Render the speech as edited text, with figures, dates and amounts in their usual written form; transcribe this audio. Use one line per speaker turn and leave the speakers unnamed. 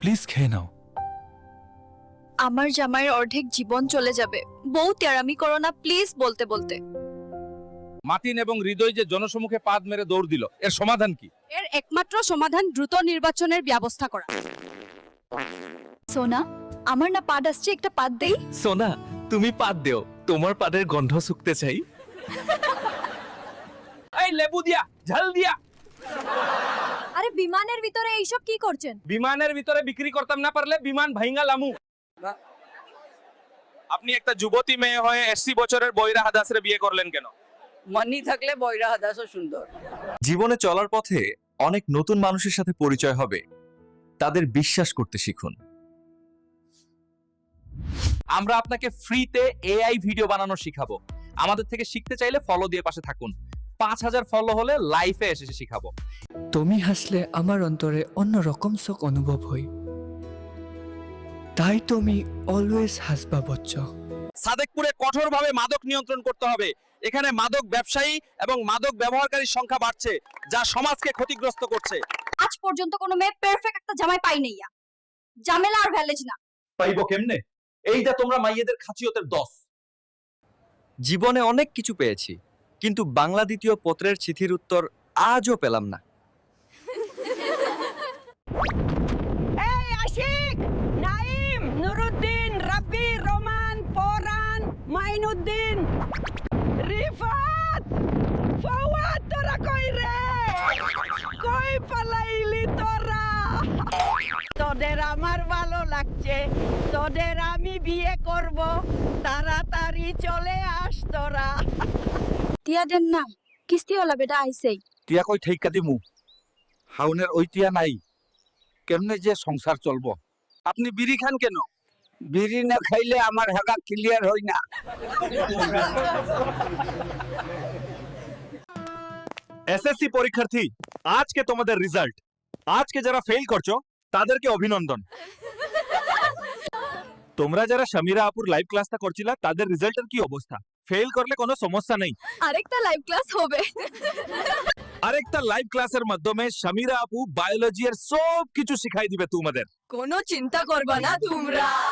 Please খেয়ে নাও।
আমার জামাইয়ের অর্ধেক জীবন চলে যাবে, বউ তেরামি করো না প্লিজ বলতে বলতে।
মার্টিন এবং হৃদয় যে জনসমুখে পাদ মেরে দৌড় দিল, এর সমাধান কি?
এর একমাত্র সমাধান দ্রুত নির্বাচনের ব্যবস্থা করা।
সোনা, আমার না পাদ আসছে, একটা পাদ দেই।
সোনা, তুমি পাদ দেও, তোমার পাদের গন্ধ শুকতে চাই।
এই লেবু দিয়া, ঝাল দিয়া।
আরে বিমানের ভিতরে এইসব কি করছেন?
বিমানের ভিতরে বিক্রি করতাম না পারলে বিমান ভাইঙ্গা লামু। আপনি একটা যুবতী মেয়ে হয়ে 80 বছরের বৈরা হাদাসরে বিয়ে করলেন কেন?
মানি থাকলে বৈরা হাদাসও সুন্দর।
জীবনে চলার পথে অনেক নতুন মানুষের সাথে পরিচয় হবে, তাদের বিশ্বাস করতে শিখুন।
আমরা আপনাকে ফ্রিতে এআই ভিডিও বানানো শিখাবো। আমাদের থেকে শিখতে চাইলে ফলো দিয়ে পাশে থাকুন। 5000 ফলো হলে লাইফে এসে শিখাবো।
তুমি হাসলে আমার অন্তরে অন্যরকম শোক অনুভব হই, তাই তুমি অলওয়েজ হাসবা বচ্চ।
সাদেকপুরে কঠোরভাবে মাদক নিয়ন্ত্রণ করতে হবে। এখানে মাদক ব্যবসায়ী এবং মাদক ব্যবহারকারীর সংখ্যা বাড়ছে, যা সমাজকে ক্ষতিগ্রস্ত করছে।
আজ পর্যন্ত কোনো মেয়ে পারফেক্ট একটা জামাই পাই নাই। জামেলা আর ভ্যালেজ না।
পাইবো কেমনে? এইটা তোমরা মাইয়েদের খাচিয়তের দোষ।
জীবনে অনেক কিছু পেয়েছি, কিন্তু বাংলা দ্বিতীয় পত্রের চিঠির উত্তর আজও পেলাম না।
এই আশিক, নাইম, নুরুদ্দিন, রাব্বি, রোমান, পরান, মাইনুদ্দিন, রিফাত, ফওয়াদ, তোরা কই রে? কই পালাইলি তোরা? তোদের আমার ভালো লাগছে, তোদের আমি বিয়ে করব, তাড়াতাড়ি চলে আস তোরা।
টিয়া দেন না, কিস্তিওয়ালা বেটা আইছেই।
টিয়া কই ঠেকা দিমু, হাউনের ওই টিয়া নাই, কেমনে যে সংসার চলবো?
আপনি বিড়ি খান কেন?
বিড়ি না খাইলে আমার হেগা ক্লিয়ার হই না।
এসএসসি পরীক্ষার্থী, আজকে তোমাদের রেজাল্ট। আজকে যারা ফেল করছো তাদেরকে অভিনন্দন। তোমরা যারা সমীরা আপুর লাইভ ক্লাসটা করছিলা তাদের রেজাল্টের কি অবস্থা? ফেল করলে কোনো সমস্যা নেই,
আরেকটা লাইভ ক্লাস হবে।
আরেকটা লাইভ ক্লাসের মাধ্যমে সমীরা আপু বায়োলজি এর সব কিছু শিখাই দিবে তোমাদের।
কোনো চিন্তা করবা না তোমরা।